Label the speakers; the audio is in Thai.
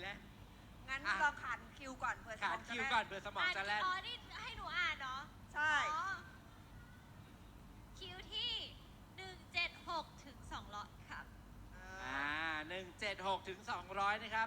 Speaker 1: งั้นลองขานคิวก่อนเผื่อสม
Speaker 2: ขา
Speaker 1: อน งจะ
Speaker 2: คิว
Speaker 1: แล่น
Speaker 2: ก่อนเผื่อสมองจะแล่น
Speaker 3: อ๋อนี่ให้หนูอ่านเนาะ
Speaker 1: ใช่
Speaker 3: คิวที่176 ถึง 200 ครับ
Speaker 2: 176 ถึง 200 นะครับ